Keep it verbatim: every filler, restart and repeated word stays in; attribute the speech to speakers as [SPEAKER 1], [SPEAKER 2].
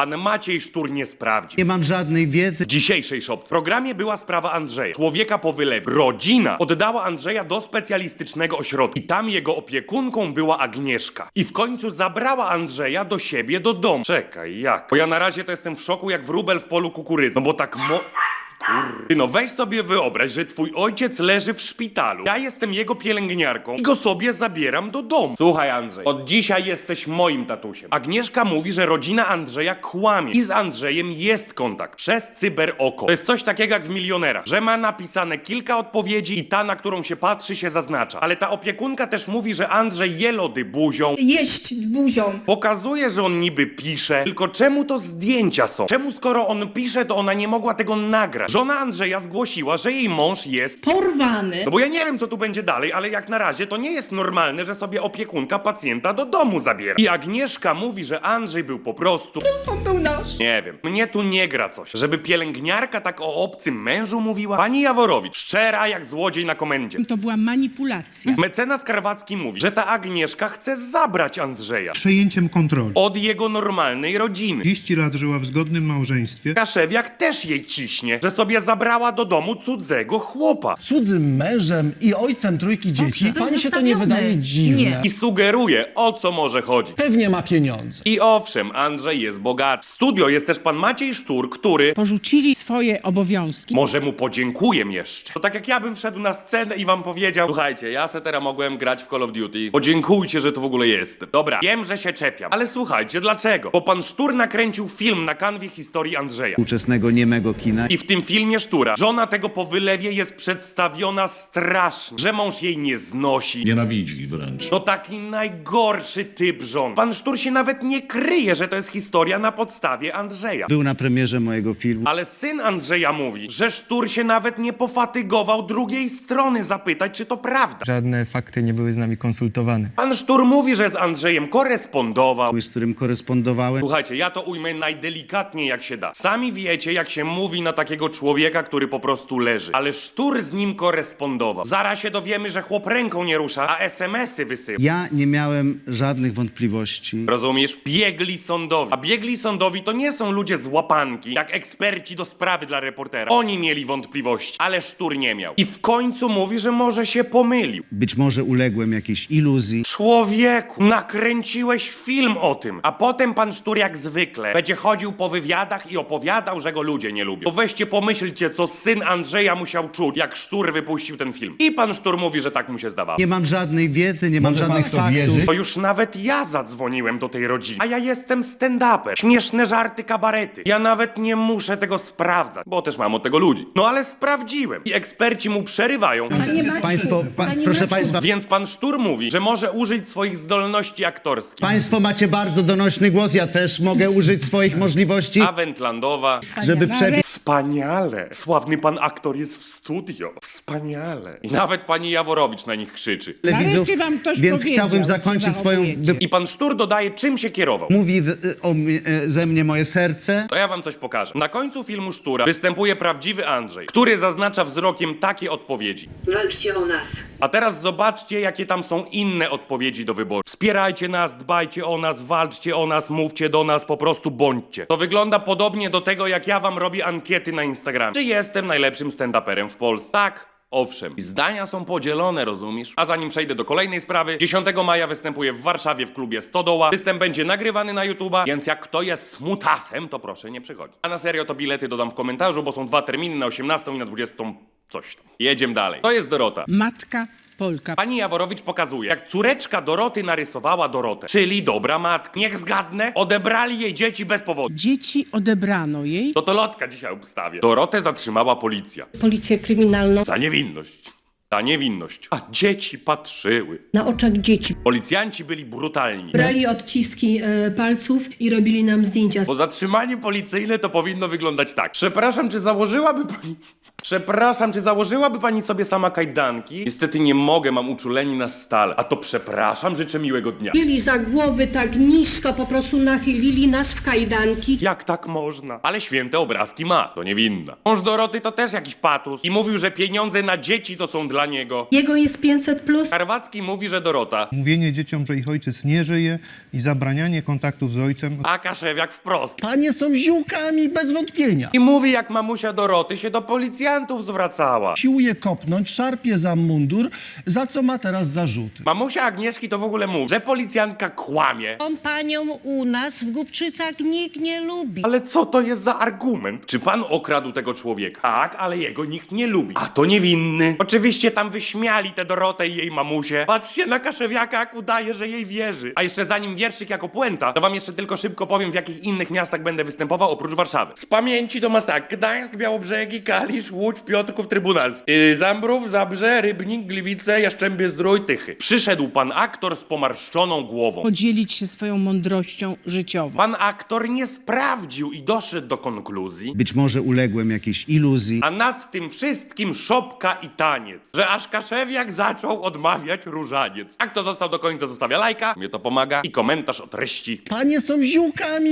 [SPEAKER 1] pan Maciej Sztur nie sprawdził.
[SPEAKER 2] Nie mam żadnej wiedzy.
[SPEAKER 1] W dzisiejszej szopce w programie była sprawa Andrzeja, człowieka po wylewie. Rodzina oddała Andrzeja do specjalistycznego ośrodka i tam jego opiekunką była Agnieszka. I w końcu zabrała Andrzeja do siebie do domu. Czekaj, jak? Bo ja na razie to jestem w szoku jak wróbel w polu kukurydzy. No bo tak mo... Ty no weź sobie wyobraź, że twój ojciec leży w szpitalu. Ja jestem jego pielęgniarką i go sobie zabieram do domu. Słuchaj Andrzej, od dzisiaj jesteś moim tatusiem. Agnieszka mówi, że rodzina Andrzeja kłamie i z Andrzejem jest kontakt przez cyberoko. To jest coś takiego jak w Milionerach, że ma napisane kilka odpowiedzi i ta, na którą się patrzy, się zaznacza. Ale ta opiekunka też mówi, że Andrzej je lody buzią.
[SPEAKER 3] Jeść buzią.
[SPEAKER 1] Pokazuje, że on niby pisze, tylko czemu to zdjęcia są? Czemu skoro on pisze, to ona nie mogła tego nagrać? Żona Andrzeja zgłosiła, że jej mąż jest...
[SPEAKER 3] Porwany.
[SPEAKER 1] No bo ja nie wiem, co tu będzie dalej, ale jak na razie to nie jest normalne, że sobie opiekunka pacjenta do domu zabiera. I Agnieszka mówi, że Andrzej był po prostu...
[SPEAKER 3] To był nasz.
[SPEAKER 1] Nie wiem, mnie tu nie gra coś. Żeby pielęgniarka tak o obcym mężu mówiła? Pani Jaworowicz, szczera jak złodziej na komendzie.
[SPEAKER 4] To była manipulacja.
[SPEAKER 1] Mecenas Karwacki mówi, że ta Agnieszka chce zabrać Andrzeja
[SPEAKER 5] Przejęciem kontroli.
[SPEAKER 1] od jego normalnej rodziny.
[SPEAKER 5] trzydzieści lat żyła w zgodnym małżeństwie.
[SPEAKER 1] Kaszewiak też jej ciśnie, że sobie zabrała do domu cudzego chłopa.
[SPEAKER 6] Cudzym mężem i ojcem trójki dzieci.
[SPEAKER 3] był
[SPEAKER 6] Pani się to nie
[SPEAKER 3] zostawiony.
[SPEAKER 6] wydaje dziwne?
[SPEAKER 3] Nie.
[SPEAKER 1] I sugeruje, o co może chodzić.
[SPEAKER 6] Pewnie ma pieniądze.
[SPEAKER 1] I owszem, Andrzej jest bogaty. W studio jest też pan Maciej Sztur, który...
[SPEAKER 4] Porzucili swoje obowiązki.
[SPEAKER 1] Może mu podziękuję jeszcze. To tak jak ja bym wszedł na scenę i wam powiedział: słuchajcie, ja se teraz mogłem grać w Call of Duty. Podziękujcie, że tu w ogóle jestem. Dobra, wiem, że się czepiam. Ale słuchajcie, dlaczego? Bo pan Sztur nakręcił film na kanwie historii Andrzeja.
[SPEAKER 2] Współczesnego niemego kina.
[SPEAKER 1] I w tym filmie Sztura żona tego po wylewie jest przedstawiona strasznie, że mąż jej nie znosi.
[SPEAKER 7] Nienawidzi wręcz.
[SPEAKER 1] To taki najgorszy typ żon. Pan Sztur się nawet nie kryje, że to jest historia na podstawie Andrzeja.
[SPEAKER 2] Był na premierze mojego filmu.
[SPEAKER 1] Ale syn Andrzeja mówi, że Sztur się nawet nie pofatygował drugiej strony zapytać, czy to prawda.
[SPEAKER 8] Żadne fakty nie były z nami konsultowane.
[SPEAKER 1] Pan Sztur mówi, że z Andrzejem korespondował.
[SPEAKER 2] Z którym korespondowałem.
[SPEAKER 1] Słuchajcie, ja to ujmę najdelikatniej jak się da. Sami wiecie, jak się mówi na takiego człowieka, który po prostu leży. Ale Sztur z nim korespondował. Zaraz się dowiemy, że chłop ręką nie rusza, a es em esy wysyła.
[SPEAKER 2] Ja nie miałem żadnych wątpliwości.
[SPEAKER 1] Rozumiesz? Biegli sądowi. A biegli sądowi to nie są ludzie z łapanki, jak eksperci do sprawy dla reportera. Oni mieli wątpliwości, ale Sztur nie miał. I w końcu mówi, że może się pomylił.
[SPEAKER 2] Być może uległem jakiejś iluzji.
[SPEAKER 1] Człowieku, nakręciłeś film o tym, a potem pan Sztur jak zwykle będzie chodził po wywiadach i opowiadał, że go ludzie nie lubią. To weźcie pomyślcie, co syn Andrzeja musiał czuć, jak Sztur wypuścił ten film. I pan Sztur mówi, że tak mu się zdawało.
[SPEAKER 2] Nie mam żadnej wiedzy, nie mam
[SPEAKER 6] Może pan
[SPEAKER 2] żadnych
[SPEAKER 6] w to
[SPEAKER 2] faktów.
[SPEAKER 6] wierzy?
[SPEAKER 1] To już nawet ja zadzwoniłem do tej rodziny. A ja jestem stand-upem. Śmieszne żarty, kabarety. Ja nawet nie muszę tego sprawdzać, bo też mam od tego ludzi. No ale sprawdziłem. I eksperci mu przerywają.
[SPEAKER 3] Panie Maciu,
[SPEAKER 2] Państwo, pa,
[SPEAKER 3] Panie
[SPEAKER 2] proszę
[SPEAKER 3] Maciu,
[SPEAKER 2] państwa,
[SPEAKER 1] Więc pan Sztur mówi, że może użyć swoich zdolności aktorskich.
[SPEAKER 2] państwo macie bardzo donośny głos, ja też mogę użyć swoich możliwości,
[SPEAKER 1] A Wendlandowa...
[SPEAKER 2] żeby przebić.
[SPEAKER 1] Wspaniale! Sławny pan aktor jest w studio. Wspaniale. I nawet pani Jaworowicz na nich krzyczy.
[SPEAKER 4] Nareszcie
[SPEAKER 2] widzów,
[SPEAKER 4] wam ktoś
[SPEAKER 2] więc
[SPEAKER 4] powiedział,
[SPEAKER 2] chciałbym
[SPEAKER 4] co
[SPEAKER 2] zakończyć swoją...
[SPEAKER 4] zachowujecie.
[SPEAKER 1] I pan Sztur dodaje, czym się kierował.
[SPEAKER 2] Mówi w, o, mnie- e, ze mnie moje serce.
[SPEAKER 1] To ja wam coś pokażę. Na końcu filmu Sztura występuje prawdziwy Andrzej, który zaznacza wzrokiem takie odpowiedzi.
[SPEAKER 9] Walczcie o nas.
[SPEAKER 1] A teraz zobaczcie, jakie tam są inne odpowiedzi do wyboru. Wspierajcie nas, dbajcie o nas, walczcie o nas, mówcie do nas, po prostu bądźcie. To wygląda podobnie do tego, jak ja wam robię ankiety na Instagramie. Czy jestem najlepszym stand-uperem w Polsce? Tak. Owszem. I zdania są podzielone, rozumiesz? A zanim przejdę do kolejnej sprawy, dziesiątego maja występuję w Warszawie w klubie Stodoła. Występ będzie nagrywany na YouTube'a, więc jak kto jest smutasem, to proszę nie przychodzić. A na serio to bilety dodam w komentarzu, bo są dwa terminy, na osiemnastą i na dwudziestą coś tam. Jedziemy dalej. To jest Dorota.
[SPEAKER 4] Matka Polka.
[SPEAKER 1] Pani Jaworowicz pokazuje, jak córeczka Doroty narysowała Dorotę, czyli dobra matka. Niech zgadnę, odebrali jej dzieci bez powodu.
[SPEAKER 4] Dzieci odebrano jej.
[SPEAKER 1] To to lotka dzisiaj obstawię. Dorotę zatrzymała policja.
[SPEAKER 9] Policję kryminalną
[SPEAKER 1] Za niewinność. Za niewinność. A dzieci patrzyły.
[SPEAKER 9] na oczach dzieci.
[SPEAKER 1] Policjanci byli brutalni.
[SPEAKER 9] Brali odciski e, palców i robili nam zdjęcia.
[SPEAKER 1] Bo zatrzymanie policyjne to powinno wyglądać tak. Przepraszam, czy założyłaby pani... Przepraszam, czy założyłaby pani sobie sama kajdanki? Niestety nie mogę, mam uczuleni na stale. A to przepraszam, życzę miłego dnia.
[SPEAKER 9] Mieli za głowy tak nisko, po prostu nachylili nas w kajdanki.
[SPEAKER 1] Jak tak można? Ale święte obrazki ma, to niewinna. Mąż Doroty to też jakiś patus i mówił, że pieniądze na dzieci to są dla niego.
[SPEAKER 9] Jego jest pięćset plus.
[SPEAKER 1] Karwacki mówi, że Dorota.
[SPEAKER 5] Mówienie dzieciom, że ich ojciec nie żyje i zabranianie kontaktów z ojcem.
[SPEAKER 1] A Kaszewiak wprost.
[SPEAKER 6] Panie są ziółkami, bez wątpienia.
[SPEAKER 1] I mówi, jak mamusia Doroty się do policjantów zwracała.
[SPEAKER 6] Siłuje kopnąć, szarpie za mundur, za co ma teraz zarzuty.
[SPEAKER 1] Mamusia Agnieszki to w ogóle mówi, że policjantka kłamie.
[SPEAKER 7] Tą panią u nas w Głubczycach nikt nie lubi.
[SPEAKER 1] Ale co to jest za argument? Czy pan okradł tego człowieka? Tak, ale jego nikt nie lubi. A to niewinny. Oczywiście tam wyśmiali tę Dorotę i jej mamusię. Patrzcie na Kaszewiaka, jak udaje, że jej wierzy. A jeszcze zanim wierszyk jako puenta, to wam jeszcze tylko szybko powiem, w jakich innych miastach będę występował oprócz Warszawy. Z pamięci to masz tak: Gdańsk, Białobrzegi, Kalisz, Łódź, Piotrków, Trybunalski. Yy, Zambrów, Zabrze, Rybnik, Gliwice, Jaszczębie Zdrój, Tychy. Przyszedł pan aktor z pomarszczoną głową.
[SPEAKER 4] Podzielić się swoją mądrością życiową.
[SPEAKER 1] Pan aktor nie sprawdził i doszedł do konkluzji,
[SPEAKER 2] Być może uległem jakiejś iluzji.
[SPEAKER 1] a nad tym wszystkim szopka i taniec, że aż Kaszewiak zaczął odmawiać różaniec. Jak to został do końca, zostawia lajka, mnie to pomaga i komentarz o treści.
[SPEAKER 6] Panie są ziółkami,